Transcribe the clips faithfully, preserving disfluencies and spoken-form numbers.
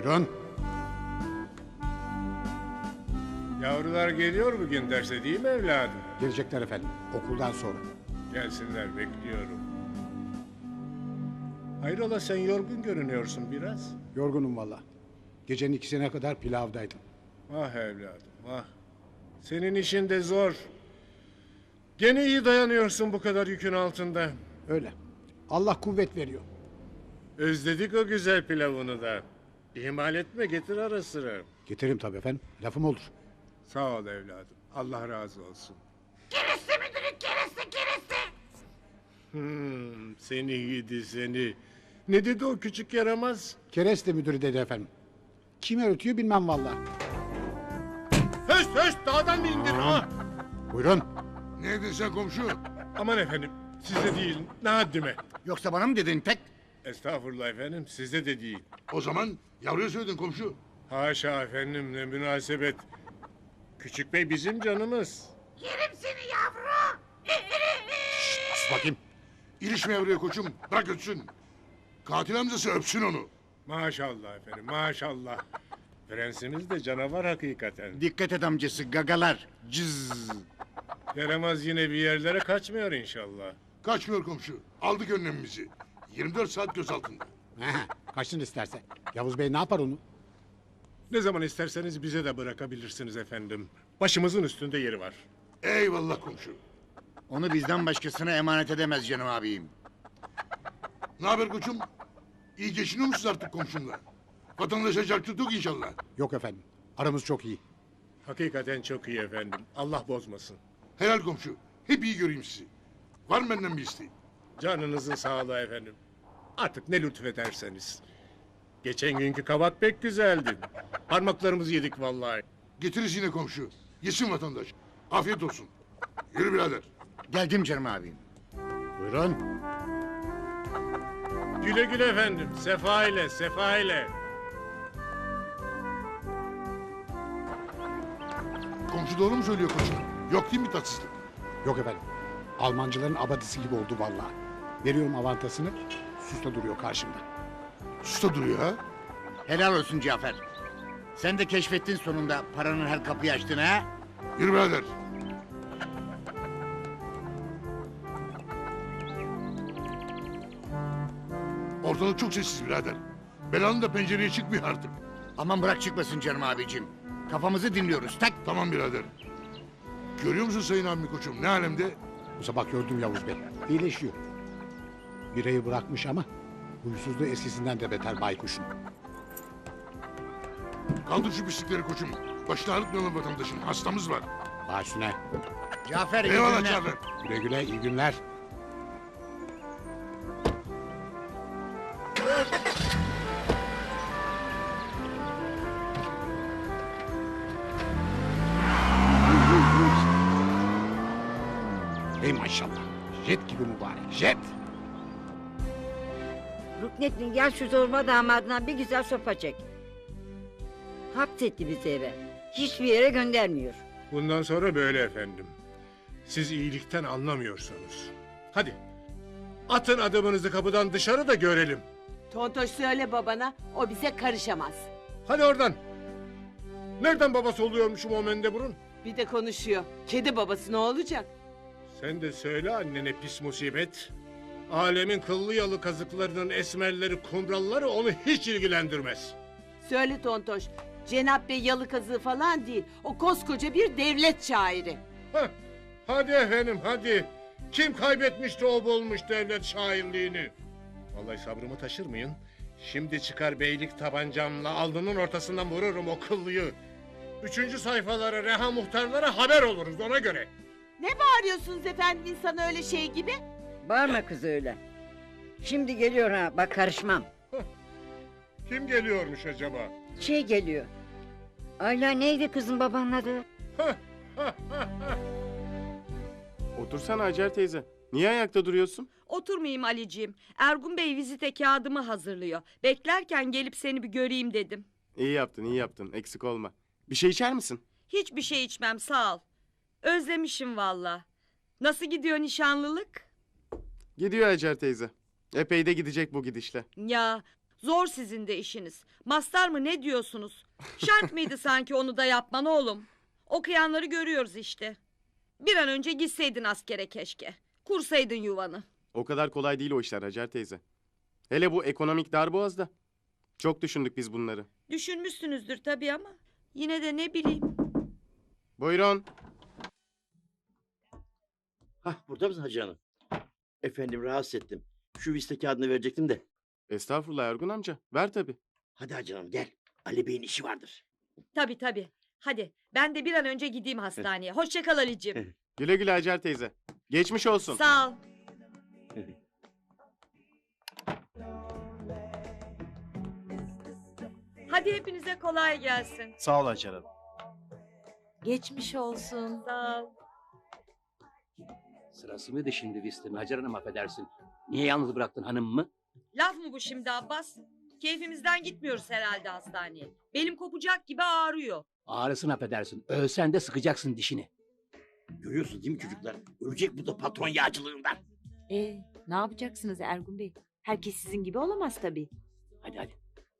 Buyurun. Yavrular geliyor bugün derse değil mi evladım? Gelecekler efendim. Okuldan sonra. Gelsinler bekliyorum. Hayrola sen yorgun görünüyorsun biraz. Yorgunum valla. Gecenin ikisine kadar pilavdaydım. Ah evladım ah. Senin işin de zor. Gene iyi dayanıyorsun bu kadar yükün altında. Öyle. Allah kuvvet veriyor. Özledik o güzel pilavını da. İhmal etme, getir ara sıra. Getiririm tabii efendim. Lafım olur. Sağ ol evladım. Allah razı olsun. Kereste müdürüm, kereste, kereste. Hmm, seni gidi seni. Ne dedi o küçük yaramaz? Kereste müdürü dedi efendim. Kim öğretiyor bilmem valla. Höst höst dağdan mı indin ha? Buyurun. Ne dedin sen komşu? Aman efendim size değil ne haddime. Yoksa bana mı dedin tek? Estağfurullah efendim size de değil. O zaman yavruya söyledin komşu. Haşa efendim ne münasebet. Küçük bey bizim canımız. Yerim seni yavru. Sus bakayım. İlişme yavruya koçum. Bırak ötsün. Katil amcası öpsün onu. Maşallah efendim maşallah. Prensimiz de canavar hakikaten. Dikkat et amcası gagalar. Cız. Yaramaz yine bir yerlere kaçmıyor inşallah. Kaçmıyor komşu. Aldık önlemimizi. yirmi dört saat göz altında. He, kaçsın isterse. Yavuz Bey ne yapar onu? Ne zaman isterseniz bize de bırakabilirsiniz efendim. Başımızın üstünde yeri var. Eyvallah komşu. Onu bizden başkasına emanet edemez canım abim. Ne haber koçum? İyi geçiniyor musunuz artık komşumla? Vatandaşa çark tuttuk inşallah. Yok efendim. Aramız çok iyi. Hakikaten çok iyi efendim. Allah bozmasın. Helal komşu. Hep iyi göreyim sizi. Var mı benden bir isteğin? Canınızın sağlığı efendim. Artık ne lütfederseniz. Geçen günkü kabak pek güzeldi. Parmaklarımızı yedik vallahi. Getiririz yine komşu. Yesin vatandaş. Afiyet olsun. Yürü birader. Geldim canım abim. Buyurun. Güle güle efendim. Sefa ile, sefa ile. Komşu doğru mu söylüyor koçum? Yok değil mi tatsızlık? Yok efendim. Almancıların abadisi gibi oldu valla. Veriyorum avantasını. Susta duruyor karşımda. Susta duruyor ha. Helal olsun Cafer. Sen de keşfettin sonunda paranın her kapıyı açtığını ha? Yürü birader. Ortalık çok sessiz birader. Belanın da pencereye çıkmıyor artık. Aman bırak çıkmasın canım abicim. Kafamızı dinliyoruz tak. Tamam birader. Görüyor musun sayın abimi koçum ne alemde? Bu sabah gördüm Yavuz Bey. İyileşiyor. Birayı bırakmış ama huysuzluğu eskisinden de beter baykuşun. Kaldır şu pislikleri koçum. Başını ağrıtmayalım vatandaşın. Hastamız var. Baş üstüne. Cafer iyi Eyvallah günler. Cafer. Güle güle iyi günler. Ey maşallah. Jet gibi mübarek. Jet. Ruknettin gel şu zorba damadına bir güzel sopa çek. Hapsetti bizi eve. Hiçbir yere göndermiyor. Bundan sonra böyle efendim. Siz iyilikten anlamıyorsunuz. Hadi. Atın adımınızı kapıdan dışarı da görelim. Tontoş söyle babana, o bize karışamaz. Hadi oradan. Nereden babası oluyormuşum o mendeburun? Bir de konuşuyor. Kedi babası ne olacak? Sen de söyle annene pis musibet. Alemin kıllı yalı kazıklarının esmerleri, kumralları onu hiç ilgilendirmez. Söyle Tontoş, Cenap Bey yalı kazığı falan değil. O koskoca bir devlet şairi. Heh, hadi efendim hadi. Kim kaybetmişti o bulmuş devlet şairliğini? Vallahi sabrımı taşırmayın. Şimdi çıkar beylik tabancamla alnının ortasından vururum o kıllıyı. Üçüncü sayfalara reha muhtarlara haber oluruz ona göre. Ne bağırıyorsunuz efendim insan öyle şey gibi? Bağırma kız öyle. Şimdi geliyor ha bak karışmam. Kim geliyormuş acaba? Şey geliyor. Ayla neydi kızın babanın adı? Otursana Hacer teyze. Niye ayakta duruyorsun? Oturmayayım Aliciğim. Ergun Bey vizite kağıdımı hazırlıyor. Beklerken gelip seni bir göreyim dedim. İyi yaptın, iyi yaptın. Eksik olma. Bir şey içer misin? Hiçbir şey içmem sağ ol. Özlemişim valla. Nasıl gidiyor nişanlılık? Gidiyor Hacer teyze. Epey de gidecek bu gidişle. Ya Zor sizin de işiniz. Mastar mı ne diyorsunuz? Şart mıydı sanki onu da yapman oğlum? Okuyanları görüyoruz işte. Bir an önce gitseydin askere keşke. Kursaydın yuvanı. O kadar kolay değil o işler Hacer teyze. Hele bu ekonomik darboğazda. Çok düşündük biz bunları. Düşünmüşsünüzdür tabii ama yine de ne bileyim. Buyurun. Hah, burada mısın Hacı Hanım? Efendim, rahatsız ettim. Şu viste kağıdını verecektim de. Estağfurullah Ergun amca. Ver tabii. Hadi Hacı Hanım gel. Ali Bey'in işi vardır. Tabii tabii. Hadi ben de bir an önce gideyim hastaneye. Hoşça kal Ali'ciğim. Güle güle Hacer teyze. Geçmiş olsun. Sağ ol. Hadi hepinize kolay gelsin. Sağ ol Hacer Hanım. Geçmiş olsun. Sağ ol. Sırası mıydı şimdi vistenin Hacer Hanım, affedersin. Niye yalnız bıraktın hanımımı? Laf mı bu şimdi Abbas? Keyfimizden gitmiyoruz herhalde hastaneye. Belim kopacak gibi ağrıyor. Ağrısın, affedersin. Ölsen de sıkacaksın dişini. Görüyorsunuz değil mi çocuklar? Ölecek bu da patron yağcılığından. Ee, ne yapacaksınız Ergun Bey? Herkes sizin gibi olamaz tabii. Hadi hadi.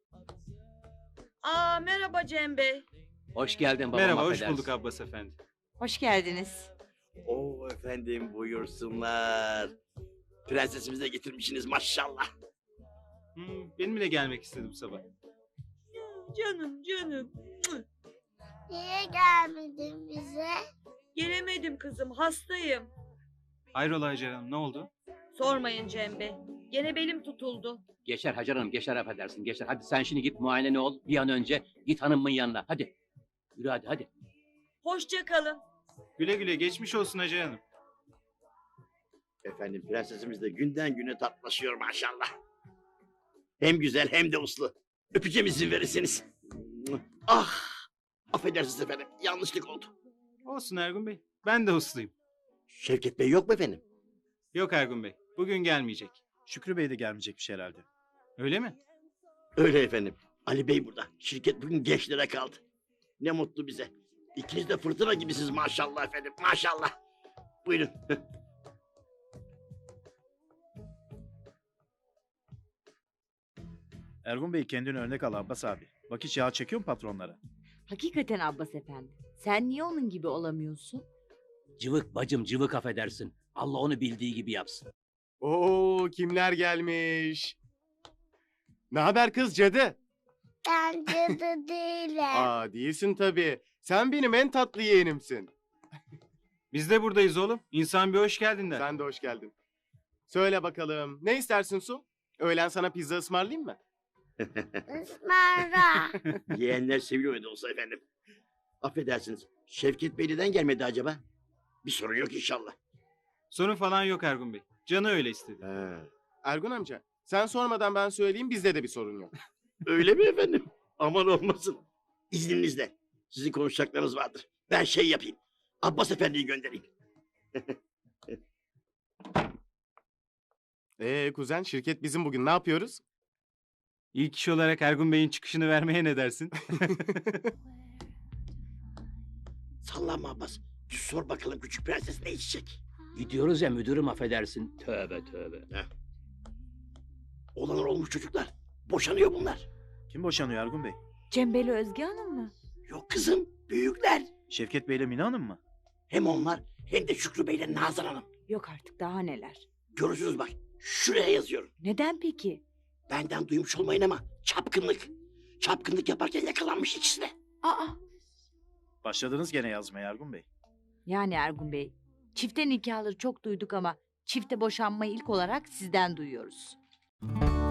Aa merhaba Cem Bey. Hoş geldin babam, Merhaba, hoş affedersin. bulduk Abbas efendi. Hoş geldiniz. Oo efendim, buyursunlar. Prensesimizi de getirmişsiniz maşallah. Hmm, benim de gelmek istedim sabah. Canım canım. Niye gelmedin bize? Gelemedim kızım hastayım. Hayrola Hacer Hanım, ne oldu? Sormayın Cem Bey. Gene belim tutuldu. Geçer Hacer Hanım, geçer, affedersin, geçer. Hadi sen şimdi git muayene ol. Bir an önce git hanımın yanına. Hadi. Yürü hadi, hadi. Hoşça kalın. Güle güle, geçmiş olsun Hacer Hanım. Efendim, prensesimiz de günden güne tatlaşıyor maşallah. Hem güzel hem de uslu. Öpeceğim, izin verirseniz. Ah! Affedersiniz efendim, yanlışlık oldu. Olsun Ergun Bey, ben de usluyum. Şevket Bey yok mu efendim? Yok Ergun Bey, bugün gelmeyecek. Şükrü Bey de gelmeyecekmiş herhalde. Öyle mi? Öyle efendim. Ali Bey burada. Şirket bugün gençlere kaldı. Ne mutlu bize. İkiniz de fırtına gibisiniz maşallah efendim, maşallah. Buyurun. Ergun Bey kendini örnek al Abbas abi. Bak hiç yağ çekiyor mu patronlara? Hakikaten Abbas efendi. Sen niye onun gibi olamıyorsun? Cıvık bacım, cıvık, affedersin. Allah onu bildiği gibi yapsın. Oo kimler gelmiş? Ne haber kız cadı? Ben cadı değilim. Aa değilsin tabii. Sen benim en tatlı yeğenimsin. Biz de buradayız oğlum. İnsan bir hoş geldin der. Sen de hoş geldin. Söyle bakalım. Ne istersin Su? Öğlen sana pizza ısmarlayayım mı? Ismarla. Yeğenler seviyor da olsa efendim. Affedersiniz. Şevket Bey neden gelmedi acaba? Bir sorun yok inşallah. Sorun falan yok Ergun Bey. Canı öyle istedi. He. Ergun amca sen sormadan ben söyleyeyim bizde de bir sorun yok. Öyle mi efendim? Aman olmasın. İzninizle. Sizin konuşacaklarınız vardır. Ben şey yapayım. Abbas Efendi'yi göndereyim. Ee kuzen şirket bizim bugün ne yapıyoruz? İlk iş olarak Ergun Bey'in çıkışını vermeye ne dersin? Sallanma Abbas. Sor bakalım küçük prenses ne içecek? Gidiyoruz ya müdürüm, affedersin. Tövbe tövbe. Heh. Olanlar olmuş çocuklar. Boşanıyor bunlar. Kim boşanıyor Ergun Bey? Cem Bey'le Özge Hanım mı? Yok kızım, büyükler. Şevket Bey ile Mine Hanım mı? Hem onlar hem de Şükrü Bey'le Nazan Hanım. Yok artık, daha neler. Görürsünüz bak. Şuraya yazıyorum. Neden peki? Benden duymuş olmayın ama çapkınlık. Çapkınlık yaparken yakalanmış ikisi de. Aa, Başladınız gene yazmaya Ergun Bey. yani Ergun Bey, çifte nikahları çok duyduk ama çifte boşanmayı ilk olarak sizden duyuyoruz.